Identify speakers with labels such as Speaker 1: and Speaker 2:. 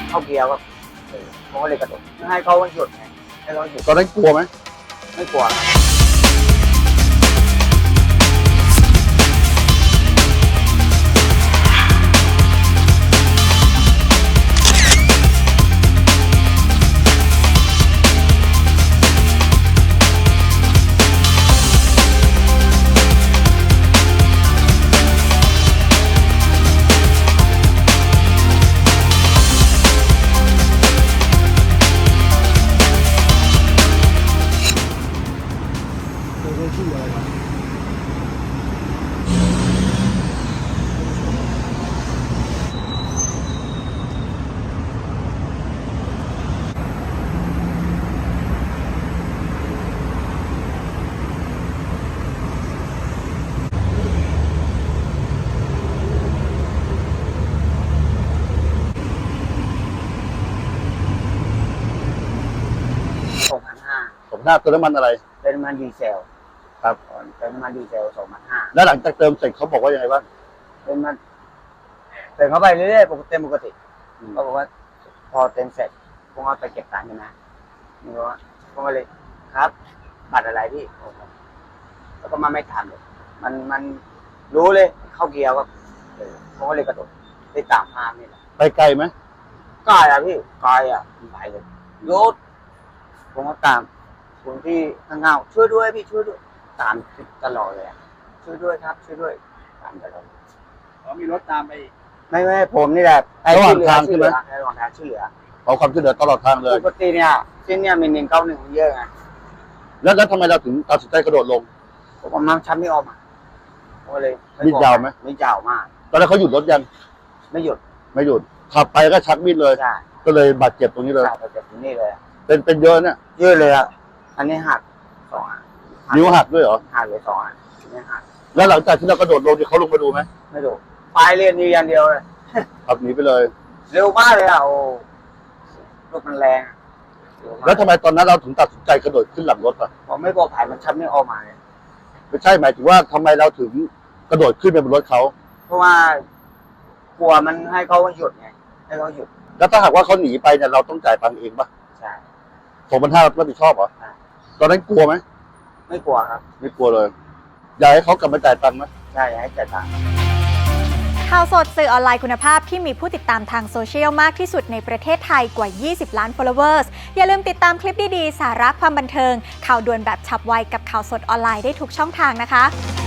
Speaker 1: เข้าเกียร์ก็ผมก็เลยกระโดดให้เขาหยุดไงให้เขาหยุด
Speaker 2: ตอนนั้นกลัวไหม
Speaker 1: ไม่กลัว
Speaker 2: 2,500เติมน้ำมันอะไร
Speaker 1: เป็นน้ำมันดีเซล
Speaker 2: ครับ
Speaker 1: เป็นน้ำมันดีเซล2,500
Speaker 2: แล้วหลังจากเติมเสร็จเขาบอกว่ายังไงบ้าง
Speaker 1: เป็นมันเติมเข้าไปเรื่อยๆปกติเขาบอกว่าพอเต็มเสร็จผมเอาไปเก็บตังค์ใช่ไหมนี่ว่าผมก็เลยครับบัตรอะไรพี่แล้วก็มาไม่ทันเลยมันรู้เลยเข้าเกียร์ก็ผมก็เลยกระโดดไปตามภาพนี่แหละ
Speaker 2: ไปไกลไหม
Speaker 1: ไกลอะพี่ไกลอะไปเลยรถผมก็ตามคนที่ข้างเงาช่วยด้วยพี่ช่วยด้วยตามตลอดเลยอะช่วยด้วยครับช่วยด้วยตามตลอด
Speaker 3: มีรถตามไปอีก
Speaker 1: ไม่ผมนี่แหละ
Speaker 2: ระหว่างทางใช่ไหม
Speaker 1: ระหว่างทางช่วยเหลือ
Speaker 2: ขอความช่วยเหลือตลอดทางเลย
Speaker 1: ปกติเนี่ยเส้นเนี่ยมี191มันเยอะไง
Speaker 2: แล้วทำไมเราถึงตัดสินใจกระโดดลง
Speaker 1: ผมเอาน้ำชั้นไม่ออกมาผมก็เลย
Speaker 2: มีดยาวไหม
Speaker 1: ไม่ยาวมาก
Speaker 2: ตอนนั้นเขาหยุดรถยัง
Speaker 1: ไม่หยุด
Speaker 2: ไม่หยุดขับไปก็ชักมีดเลย
Speaker 1: ใช่
Speaker 2: ก็เลยบาดเจ็บตรงนี้เลย
Speaker 1: ใช่ไปจากที่นี่เลย
Speaker 2: เป็นเยอะเนี่ย
Speaker 1: เยอะเลยอ่ะอันนี้หัก2 อัน
Speaker 2: นิ้วหักด้วยเหรอ
Speaker 1: หักเลย2 อันอันนี้หัก
Speaker 2: แล้วหลังจากที่เรากระโดดลงเนี่ยเขาลงมาดูไหม
Speaker 1: ไม่ดูปลายเรียนอยู่อย่างเดียวเลย
Speaker 2: ขับหนีไปเลย
Speaker 1: เร็วมากเลยอ่ะโอ้รถมันแรงเร็วมาก
Speaker 2: แล้วทำไมตอนนั้นเราถึงตัดสินใจกระโดดขึ้นหลังรถอ่ะ
Speaker 1: ผมไม่กลัวผ่านมันชั้นไม่ออกมาเลย
Speaker 2: ไม่ใช่หมายถึงว่าทำไมเราถึงกระโดดขึ้นไปบนรถเขา
Speaker 1: เพราะว่ากลัวมันให้เขาหยุดไงให้เขาหยุด
Speaker 2: แล้วถ้าหากว่าเขาหนีไปเนี่ยเราต้องจ่ายตังค์เองปะ
Speaker 1: ใช่
Speaker 2: 2,500รับผิดชอบเหรอ
Speaker 1: ใช่
Speaker 2: ตอนนั้นกลัวไหม
Speaker 1: ไม่กลัวครับ
Speaker 2: ไม่กลัวเลยอยากให้เขากลับมาจ่ายตังค์ไหม
Speaker 1: ใช่ให้จ่ายตังค์
Speaker 4: ข่าวสดสื่อออนไลน์คุณภาพที่มีผู้ติดตามทางโซเชียลมากที่สุดในประเทศไทยกว่า 20 ล้าน followers อย่าลืมติดตามคลิปดีๆ สาระความบันเทิง ข่าวด่วนแบบฉับไวกับข่าวสดออนไลน์ได้ทุกช่องทางนะคะ